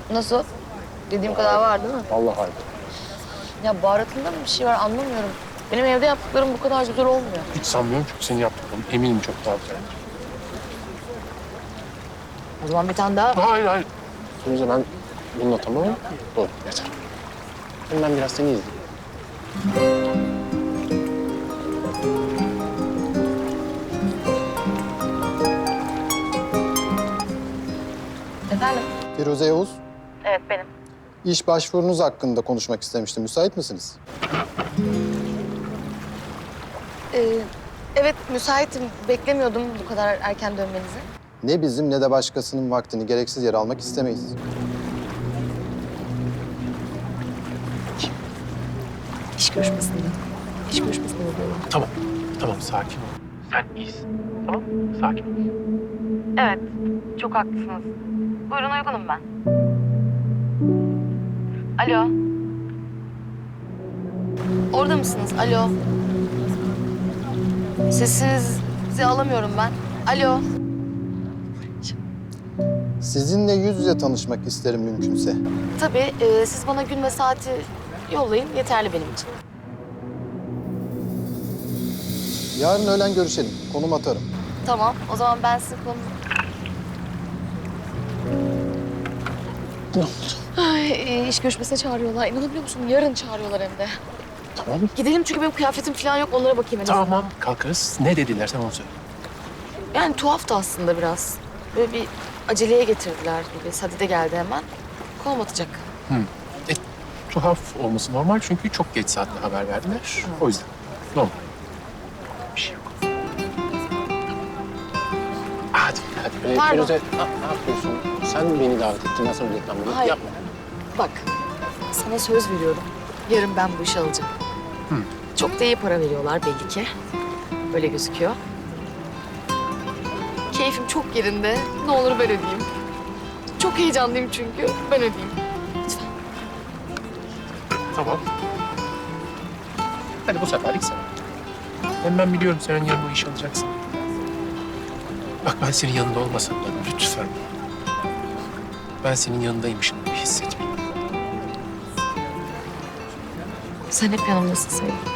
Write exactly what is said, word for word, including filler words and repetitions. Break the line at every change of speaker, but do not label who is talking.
Nasıl? Dediğim kadar var değil mi?
Vallahi harika.
Ya baharatında mı bir şey var anlamıyorum. Benim evde yaptıklarım bu kadar güzel olmuyor.
Hiç sanmıyorum çünkü senin yaptıkların eminim çok daha güzel.
O zaman bir tane daha.
Hayır hayır. Sonuçta ben bununla tamamım. Doğru yeter. Şimdi ben biraz seni izleyeyim.
Efendim?
Firuze Yavuz,
Evet benim.
iş başvurunuz hakkında konuşmak istemiştim. Müsait misiniz?
Ee, evet müsaitim. Beklemiyordum bu kadar erken dönmenizi.
Ne bizim ne de başkasının vaktini gereksiz yere almak istemeyiz.
İş görüşmesinde. İş görüşmesinde oluyorlar.
Tamam. Tamam sakin ol. Sen iyisin. Tamam sakin ol.
Evet. Çok haklısınız. Buyurun uygunum ben. Alo. Orada mısınız? Alo. Sesinizi alamıyorum ben. Alo.
Sizinle yüz yüze tanışmak isterim mümkünse.
Tabii e, siz bana gün ve saati yollayın. Yeterli benim için.
Yarın öğlen görüşelim. Konum atarım.
Tamam. O zaman ben sizin konu...
Ne oldu?
Ay, e, iş görüşmesine çağırıyorlar. İnanabiliyor musun? Yarın çağırıyorlar hem de.
Tamam.
Gidelim çünkü benim kıyafetim falan yok. Onlara bakayım en azından.
Tamam kalkarız. Ne dediler sen onu söyle.
Yani tuhaftı aslında biraz. Böyle bir aceleye getirdiler gibi. Sadide geldi hemen. Konum atacak.
Hı. E, tuhaf olması normal çünkü çok geç saatte haber verdiler. O yüzden. Normal. Bir şey yok. Hadi hadi. Ee,
Pardon.
Firuze ne, ne yapıyorsun? Sen beni davet ettin. Ben sana reklamını
Hayır.
yapma.
Bak, sana söz veriyorum. Yarın ben bu işi alacağım.
Hı.
Çok da iyi para veriyorlar belli ki. Öyle gözüküyor. Keyfim çok yerinde. Ne olur ben ödeyeyim. Çok heyecanlıyım çünkü. Ben ödeyeyim. Lütfen.
Tamam. Hadi bu seferlik sen. Hem ben biliyorum sen yarın bu işi alacaksın. Bak ben senin yanında olmasam da lütfen. Ben senin yanındaymışım gibi hissetme.
Sen hep yanımdasın sevgilim.